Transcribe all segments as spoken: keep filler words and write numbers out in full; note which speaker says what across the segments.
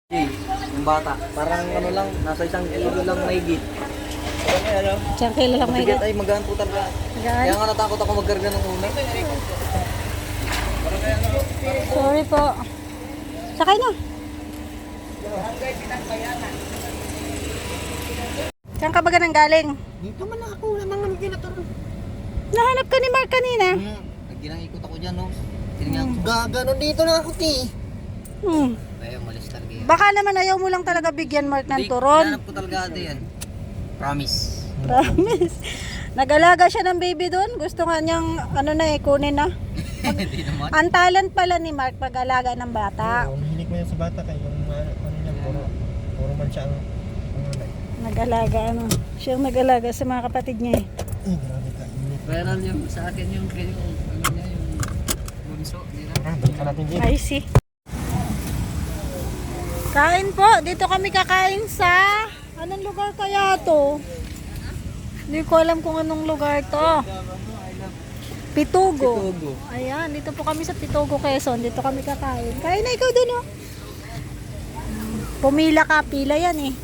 Speaker 1: Yung bata, parang ano lang, nasa isang kilo lang mahigit. Ano?
Speaker 2: Siyang kilo lang may
Speaker 1: Mabigat ay magaan po talaga.
Speaker 2: Magaan?
Speaker 1: Kaya nga natakot ako magkarga ng una.
Speaker 2: Sorry po. Sakay na. Saan ka ba ganang galing?
Speaker 1: Dito man ako, lamang naman kinaturon.
Speaker 2: Nahanap ka ni Mark kanina.
Speaker 1: Hmm, ginang-ikot ako dyan, no? Tinignan ko. Gaganon dito na ako, ti.
Speaker 2: Hmm.
Speaker 1: Ayaw, malis talaga yan.
Speaker 2: Baka naman ayaw mo lang talaga bigyan Mark ng turon.
Speaker 1: Hinanap ko talaga ate yan. Promise.
Speaker 2: Promise. Nag-alaga siya ng baby doon. Gusto nga niyang ano na eh, kunin na.
Speaker 1: Hindi naman.
Speaker 2: Ang talent pala ni Mark pag-alaga ng bata.
Speaker 3: Oo, hilig mo yan sa bata kaya yung uh, ano niya, puro, puro man siya ang ano na.
Speaker 2: Nag-alaga ano. Siya ang nag-alaga sa mga kapatid niya eh.
Speaker 3: Eh, grabe ka. Init.
Speaker 1: Viral yung sa akin yung yung ano niya yung bunso nila.
Speaker 3: Ah, balikan natin dito.
Speaker 2: I see. Kain po. Dito kami kakain sa... Anong lugar kaya to? Hindi ko alam kung anong lugar to. Pitugo.
Speaker 1: Pitugo.
Speaker 2: Ayan, dito po kami sa Pitugo, Quezon. Dito kami kakain. Kain na ikaw dun, oh. Pumila ka, pila yan eh.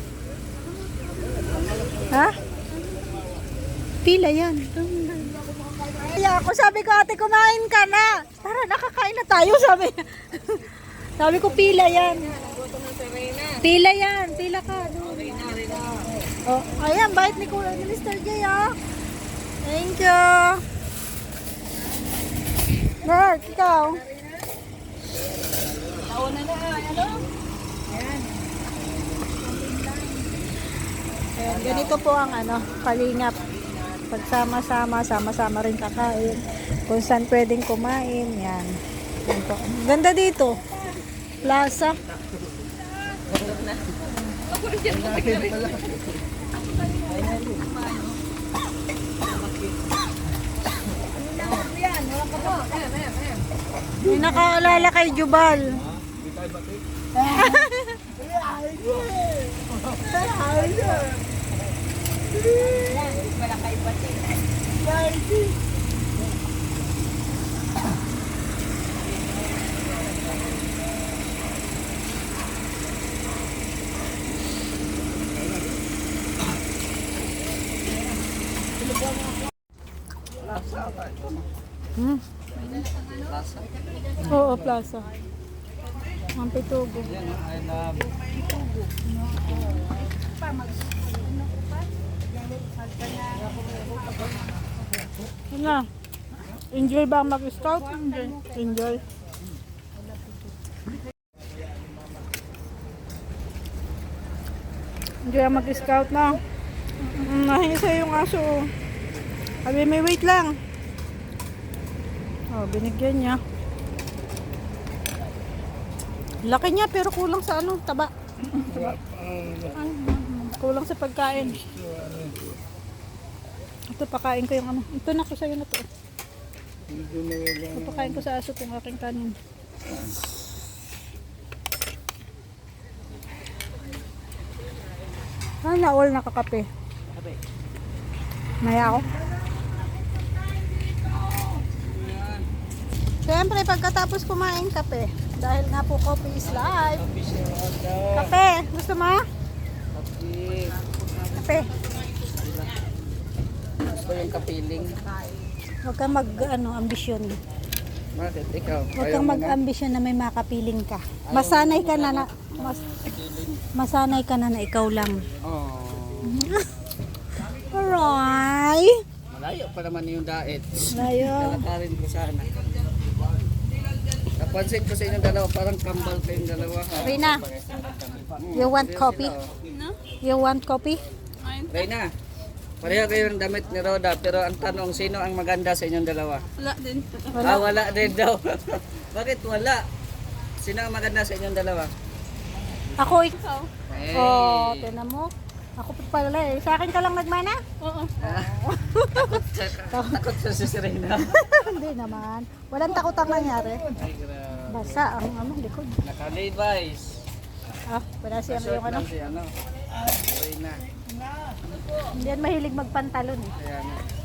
Speaker 2: Ha? Pila yan. Kaya ako sabi ko, ate, kumain ka na. Tara, nakakain na tayo, sabi. Sabi ko, pila yan. Pila yan, pila ka. Oh, ayan, bait ni Kuya ni mister J, ah. Thank you. Mark, ikaw. Nauna na, ano? Ayan. Ayan, ganito po ang ano, kalingap. Pagsama-sama, sama-sama rin kakain. Kung saan pwedeng kumain, yan. Yan po. Ganda dito. Plaza. May nakaalala kay Jubal. Hmm.
Speaker 1: Plaza.
Speaker 2: Oo, plaza. Ang Pitugo.
Speaker 1: Yan, I love.
Speaker 2: Yun na. Enjoy ba ang mag-scout? Enjoy. Enjoy. Enjoy ang mag-scout na. Mm, nahingi sa'yo yung aso. Sabi, may wait lang. Oh, binigyan niya. Laki niya pero kulang sa ano, taba. Taba. Ay, kulang sa pagkain. Ito, pakain ko yung ano. Ito na ko sa'yo na to. Ito, pakain ko sa aso itong aking kanin. Ah, na-all nakakape. Maya ako. Siyempre, pagkatapos kumain, kape. Dahil nga po, coffee is life. Kape, gusto mo? Kape.
Speaker 1: Gusto yung kapiling.
Speaker 2: Huwag kang mag, ano, ambisyon.
Speaker 1: Bakit? Ikaw?
Speaker 2: Huwag kang mag-ambisyon na may makapiling ka. Masanay ka na na, mas, masanay ka na na ikaw lang.
Speaker 1: Oh.
Speaker 2: Aray!
Speaker 1: Malayo pa naman yung diet.
Speaker 2: Layo.
Speaker 1: Lalakarin ko sana. Napansin ko sa inyong dalawa, parang kambal kayong dalawa. Ha?
Speaker 2: Rina, you want coffee? You want coffee?
Speaker 1: Reyna, pareho kayo ng damit ni Roda, pero ang tanong, sino ang maganda sa inyong dalawa?
Speaker 4: Wala din.
Speaker 2: Wala.
Speaker 1: Ah, wala din daw. Bakit wala? Sino ang maganda sa inyong dalawa?
Speaker 2: Ako, ikaw.
Speaker 1: Hey.
Speaker 2: Oh, tinan mo. Ako pa pala eh. Sa akin ka lang nagmana?
Speaker 4: Oo.
Speaker 1: Takot siya, takot siya si Serena.
Speaker 2: Hindi naman. Walang takot ang nangyari.
Speaker 1: Ay, grabe.
Speaker 2: Basta ang ano, likod.
Speaker 1: Naka-Levi's.
Speaker 2: Ah, wala siya
Speaker 1: Short
Speaker 2: yung ano.
Speaker 1: lang si ano. Reyna.
Speaker 2: Hindi yan mahilig magpantalon eh.
Speaker 1: Kaya nga.